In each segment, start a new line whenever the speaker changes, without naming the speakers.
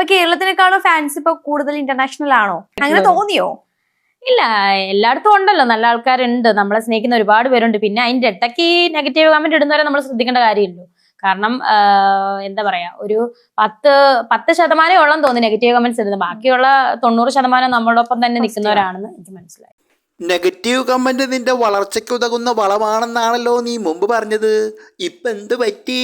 കേരളത്തിനേക്കാളും fans ഇപ്പൊ കൂടുതൽ international ആണോ? അങ്ങനെ തോന്നിയോ?
ഇല്ല, എല്ലായിടത്തും ഉണ്ടല്ലോ, നല്ല ആൾക്കാരുണ്ട്, നമ്മളെ സ്നേഹിക്കുന്ന ഒരുപാട് പേരുണ്ട്. പിന്നെ അതിന്റെ ഇടയ്ക്ക് നെഗറ്റീവ് കമന്റ് ഇടുന്നവരെ നമ്മൾ ശ്രദ്ധിക്കേണ്ട കാര്യമില്ലല്ലോ. കാരണം എന്താ പറയാ, ഒരു 10% ഉള്ളെന്ന് തോന്നുന്നു നെഗറ്റീവ് കമന്റ്സ് ഇടുന്നത്. ബാക്കിയുള്ള 90% നമ്മളോടൊപ്പം തന്നെ നിൽക്കുന്നവരാണെന്ന് എനിക്ക് മനസ്സിലായി.
നെഗറ്റീവ് കമന്റ് നിന്റെ വളർച്ചയ്ക്ക് ഉതകുന്ന വളമാണെന്നാണല്ലോ നീ മുമ്പ് പറഞ്ഞത്. ഇപ്പൊ എന്ത് പറ്റി?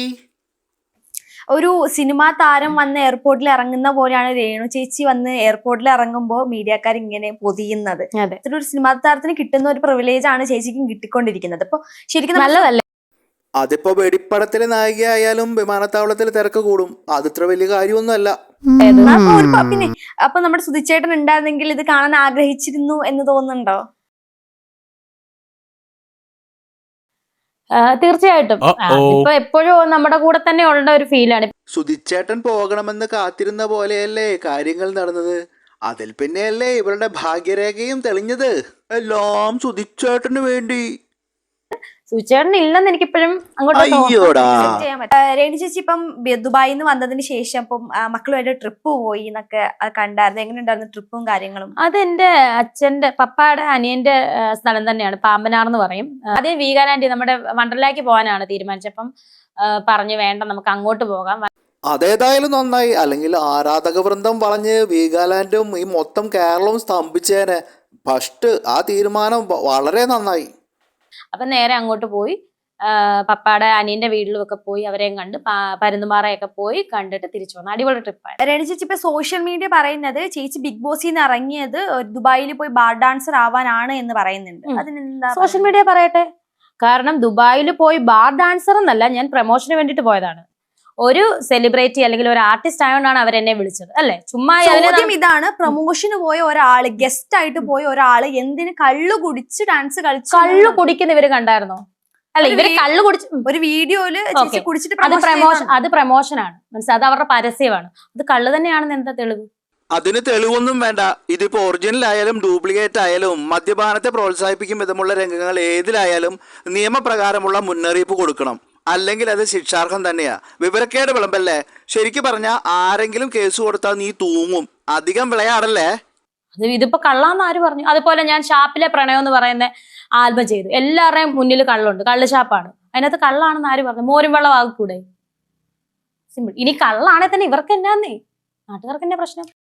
ഒരു സിനിമാ താരം വന്ന് എയർപോർട്ടിൽ ഇറങ്ങുന്ന പോലെയാണ് രേണു ചേച്ചി വന്ന് എയർപോർട്ടിൽ ഇറങ്ങുമ്പോൾ മീഡിയക്കാർ ഇങ്ങനെ പൊതിയുന്നത്. ഒരു സിനിമാ താരത്തിന് കിട്ടുന്ന ഒരു പ്രിവിലേജ് ആണ് ചേച്ചിക്കും കിട്ടിക്കൊണ്ടിരിക്കുന്നത്. അപ്പൊ ശരിക്കും
നല്ലതല്ലേ?
അതിപ്പോ വെടിപ്പടത്തിലെ നായികയായാലും വിമാനത്താവളത്തിൽ തിരക്ക് കൂടും, അതിത്ര വലിയ കാര്യമൊന്നുമല്ല.
പിന്നെ അപ്പൊ നമ്മുടെ സുധിച്ചേട്ടൻ ഉണ്ടായിരുന്നെങ്കിൽ ഇത് കാണാൻ ആഗ്രഹിച്ചിരുന്നു എന്ന് തോന്നുന്നുണ്ടോ?
തീർച്ചയായിട്ടും. ഇപ്പൊ എപ്പോഴും നമ്മുടെ കൂടെ തന്നെ ഉള്ള ഒരു ഫീലാണ്.
സുധിച്ചേട്ടൻ പോകണമെന്ന് കാത്തിരുന്ന പോലെയല്ലേ കാര്യങ്ങൾ നടന്നത്. അതിൽ പിന്നെയല്ലേ ഇവരുടെ ഭാഗ്യരേഖയും തെളിഞ്ഞത്. എല്ലാം സുധിച്ചേട്ടന് വേണ്ടി.
സുധിച്ചേട്ടൻ ഇല്ലെന്ന് എനിക്കിപ്പോഴും
രേണു ചേച്ചി ഇപ്പം ദുബായിൽ നിന്ന് വന്നതിന് ശേഷം ഇപ്പം മക്കളുമായിട്ട് ട്രിപ്പ് പോയി എന്നൊക്കെ കണ്ടായിരുന്നു. എങ്ങനെ ഉണ്ടായിരുന്നു ട്രിപ്പും കാര്യങ്ങളും?
അതെന്റെ അച്ഛന്റെ പപ്പായുടെ അനിയന്റെ സ്ഥലം തന്നെയാണ്, പാമ്പനാർ എന്ന് പറയും. അതേ വീഗാലാൻഡ് നമ്മുടെ വണ്ടർലാക്ക് പോകാനാണ് തീരുമാനിച്ചപ്പം പറഞ്ഞു വേണ്ട നമുക്ക് അങ്ങോട്ട് പോകാം.
അതേതായാലും നന്നായി, അല്ലെങ്കിൽ ആരാധക വൃന്ദം വളഞ്ഞ് വീഗാലാൻഡും ഈ മൊത്തം കേരളവും സ്തംഭിച്ചേനെ. ഫസ്റ്റ് ആ തീരുമാനം വളരെ നന്നായി.
അപ്പൊ നേരെ അങ്ങോട്ട് പോയി, പപ്പാടെ അനിയന്റെ വീട്ടിലും ഒക്കെ പോയി അവരെയും കണ്ട് പരുന്തുമാറയൊക്കെ പോയി കണ്ടിട്ട് തിരിച്ചു വന്നു. അടിപൊളി ട്രിപ്പായിരുന്നു.
രേണു ചേച്ചി ഇപ്പൊ സോഷ്യൽ മീഡിയ പറയുന്നത് ചേച്ചി ബിഗ് ബോസിൽ നിന്ന് ഇറങ്ങിയത് ദുബായിൽ പോയി ബാർ ഡാൻസർ ആവാനാണ് എന്ന് പറയുന്നുണ്ട്. അതിനെന്താ?
സോഷ്യൽ മീഡിയ പറയട്ടെ. കാരണം ദുബായിൽ പോയി ബാർ ഡാൻസർ എന്നല്ല, ഞാൻ പ്രൊമോഷന് വേണ്ടിട്ട് പോയതാണ്. ഒരു സെലിബ്രിറ്റി അല്ലെങ്കിൽ ഒരു ആർട്ടിസ്റ്റ് ആയതുകൊണ്ടാണ് അവരെന്നെ വിളിച്ചത്, അല്ലെ? ചുമ്മാ
ഇതാണ്, പ്രൊമോഷന് പോയ ഒരാള്, ഗസ്റ്റ് ആയിട്ട് പോയ ഒരാള് എന്തിന് കള്ളു കുടിച്ച് ഡാൻസ് കളിച്ചു?
കള്ളു കുടിക്കുന്ന ഇവര് കണ്ടായിരുന്നോ? അല്ല, ഇവര് കള്ളു കുടിച്ച് ഒരു
വീഡിയോയില് കുടിച്ചിട്ട്
അത് പ്രൊമോഷനാണ്, മനസ്സിലായി? അത് അവരുടെ പരസ്യമാണ്. അത് കള്ളു തന്നെയാണെന്ന് എന്താ തെളിവ്?
അതിന് തെളിവൊന്നും വേണ്ട. ഇതിപ്പോ ഒറിജിനൽ ആയാലും ഡ്യൂപ്ലിക്കേറ്റ് ആയാലും മദ്യപാനത്തെ പ്രോത്സാഹിപ്പിക്കും വിധമുള്ള രംഗങ്ങൾ ഏതിലായാലും നിയമപ്രകാരമുള്ള മുന്നറിയിപ്പ് കൊടുക്കണം, അല്ലെങ്കിൽ അത് ശിക്ഷാർഹം തന്നെയാ. വിവരക്കേട് വിളമ്പല്ലേ. ശരിക്കും പറഞ്ഞാൽ ആരെങ്കിലും കേസ് കൊടുത്താൽ നീ തൂങ്ങും. അധികം വിളയാടല്ലേ.
ഇതിപ്പോ കള്ളാന്ന് ആര് പറഞ്ഞു? അതുപോലെ ഞാൻ ഷാപ്പിലെ പ്രണയം എന്ന് പറയുന്ന ആൽബം ചെയ്തു. എല്ലാവരുടെയും മുന്നിൽ കള്ളുണ്ട്, കള്ള് ഷാപ്പാണ്. അതിനകത്ത് കള്ളാണെന്ന് ആര് പറഞ്ഞു? മോരും വെള്ളം ആകൂടെ? സിമ്പിൾ. ഇനി കള്ളാണെ തന്നെ ഇവർക്ക് എന്നാന്നേ, നാട്ടുകാർക്ക് എന്നാ പ്രശ്നം?